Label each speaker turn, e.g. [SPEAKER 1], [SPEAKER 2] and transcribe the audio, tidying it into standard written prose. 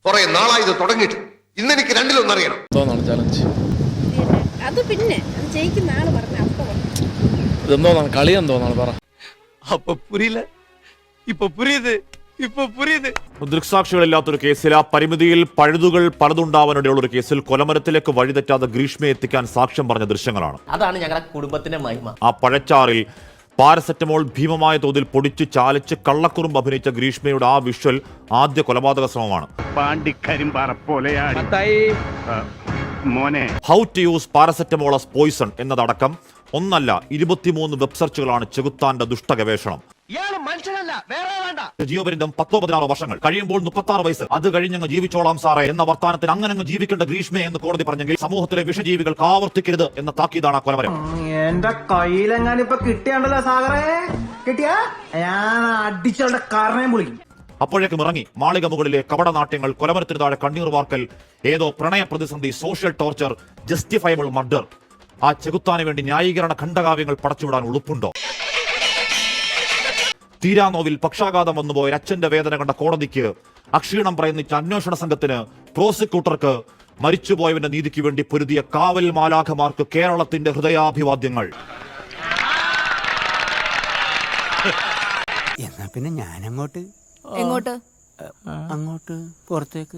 [SPEAKER 1] കുറെ നാളായി ഇത് തുടങ്ങിയിട്ട്. ഇന്നെനിക്ക് രണ്ടിലൊന്നറിയണം.
[SPEAKER 2] ചലഞ്ച്
[SPEAKER 3] അത് പിന്നെ അത് ജയിക്കുന്ന ആള് പറഞ്ഞ അപ്പൊ
[SPEAKER 2] ഇതെന്തോന്നാണ് കളി എന്തോന്നാണ് പറ.
[SPEAKER 4] അപ്പൊ പുരിയില്ല, ഇപ്പൊ പുരിയത്, ഇപ്പൊ പുരിയത്.
[SPEAKER 5] ദൃക്സാക്ഷികളില്ലാത്തൊരു കേസിൽ ആ പരിമിതിയിൽ പഴുതുകൾ പലതുണ്ടാവാനിടയുള്ള ഒരു കേസിൽ കൊലമരത്തിലേക്ക് വഴിതെറ്റാതെ ഗ്രീഷ്മയെ എത്തിക്കാൻ സാക്ഷ്യം പറഞ്ഞ ദൃശ്യങ്ങളാണ്.
[SPEAKER 6] അതാണ് ഞങ്ങളുടെ കുടുംബത്തിന്റെ മഹിമ.
[SPEAKER 5] ആ പഴച്ചാറിൽ പാരസെറ്റമോൾ ഭീമമായ തോതിൽ പൊടിച്ച് ചാലിച്ച് കള്ളക്കുറുമ്പ് അഭിനയിച്ച ഗ്രീഷ്മയുടെ ആ വിഷ്വൽ ആദ്യ കൊലപാതക ശ്രമമാണ്. How to use paracetamol as poison എന്നതടക്കം ഒന്നല്ല 23 വെബ് സെർച്ചുകളാണ് ചെകുത്താന്റെ ദുഷ്ടഗവേഷണം. ജീവപര്യന്തം 10-16 വർഷങ്ങൾ കഴിയുമ്പോൾ 36 വയസ്സ്, അത് കഴിഞ്ഞങ്ങ് ജീവിച്ചോളാം സാറേ എന്ന വർത്താനത്തിന് അങ്ങനെ ജീവിക്കേണ്ട ഗ്രീഷ്മയെ എന്ന് കോടതി പറഞ്ഞെങ്കിൽ സമൂഹത്തിലെ വിഷജീവികൾക്ക് ആവർത്തിക്കരുത് എന്ന താക്കീതാണ് ആ കൊലമരം.
[SPEAKER 7] എന്റെ കയ്യിലെങ്ങാനിപ്പൊ കിട്ടിയാണ്ടല്ലോ സാഗറേ, കിട്ടിയാ ഞാൻ അടിച്ചവളുടെ കാരണയും വിളിക്കും.
[SPEAKER 5] അപ്പോഴേക്കും ഇറങ്ങി മാളിക മുകളിലെ കപടനാട്യങ്ങൾ, കൊലമരത്തിന് താഴെ കണ്ണീർ വാർക്കൽ, ഏതോ പ്രണയ പ്രതിസന്ധി, സോഷ്യൽ ടോർച്ചർ, ജസ്റ്റിഫയബിൾ മർഡർ. ആ ചെകുത്താന് വേണ്ടി ന്യായീകരണ ഖണ്ഡകാവ്യങ്ങൾ പടച്ചുവിടാൻ ഉളുപ്പുണ്ടോ? തീരാനോവിൽ പക്ഷാഘാതം വന്നുപോയ അച്ഛന്റെ വേദന കണ്ട കോടതിക്ക്, അക്ഷീണം പറയുന്ന അന്വേഷണ സംഘത്തിന്, പ്രോസിക്യൂട്ടർക്ക്, മരിച്ചുപോയവന്റെ നീതിക്ക് വേണ്ടി പൊരുതിയ കാവൽ മാലാഖമാർക്ക് കേരളത്തിന്റെ ഹൃദയാഭിവാദ്യങ്ങൾ.
[SPEAKER 8] എന്നാ പിന്നെ ഞാൻ അങ്ങോട്ട്
[SPEAKER 3] എങ്ങോട്ട്
[SPEAKER 8] അങ്ങോട്ട് പുറത്തേക്ക്